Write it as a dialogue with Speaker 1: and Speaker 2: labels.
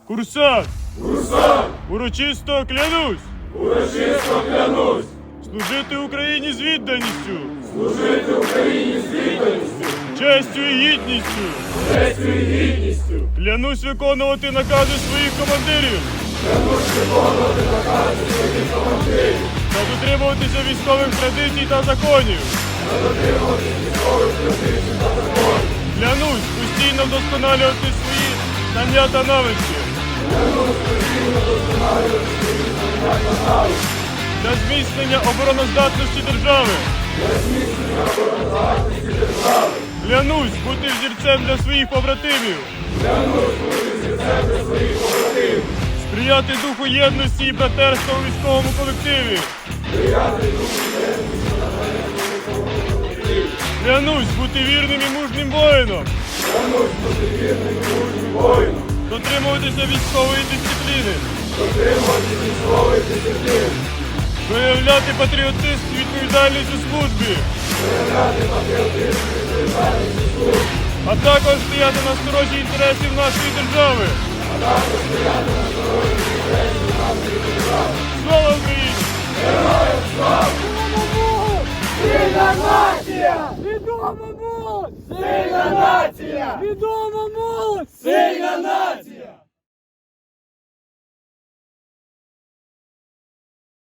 Speaker 1: Курсант!
Speaker 2: Курсант!
Speaker 1: Урочисто клянусь!
Speaker 2: Урочисто клянусь!
Speaker 1: Служити Україні з відданістю!
Speaker 2: Служити Україні з відданістю!
Speaker 1: Честю і гідністю!
Speaker 2: Честю і гідністю!
Speaker 1: Клянусь виконувати накази своїх командирів!
Speaker 2: Клянусь виконувати накази своїх командирів!
Speaker 1: Та дотримуватися військових традицій та законів!
Speaker 2: Та дотримуватися військових традицій та законів!
Speaker 1: Клянусь постійно вдосконалювати свої знання та навички!
Speaker 2: Клянусь постійно вдосконалювати свої знання та навички!
Speaker 1: Для зміцнення обороноздатності держави!
Speaker 2: Для зміцнення обороноздатності держави!
Speaker 1: Клянусь бути взірцем для своїх побратимів!
Speaker 2: Клянусь бути взірцем для своїх побратимів!
Speaker 1: Сприяти духу єдності і братерства у військовому колективі!
Speaker 2: Сприяти духу єдності та братерства у військовому колективі!
Speaker 1: Клянусь бути вірним і мужнім воїном!
Speaker 2: Клянусь бути вірним і мужнім воїном!
Speaker 1: Дотримуватися військової дисципліни!
Speaker 2: Дотримувати військової дисципліни!
Speaker 1: Проявляти патріотизм і відповідальність у службі!
Speaker 2: Проявляти патріотизм і відповідальність у службі!
Speaker 1: А також стояти на сторожі інтересів нашої держави!
Speaker 2: А також стояти на сторожі інтересів нашої держави!
Speaker 1: Слава Україні!
Speaker 2: Героям слава!
Speaker 3: Сильна нація! Відома молодь!
Speaker 2: Сильна нація!
Speaker 3: Відома молодь!
Speaker 2: Сильна нація!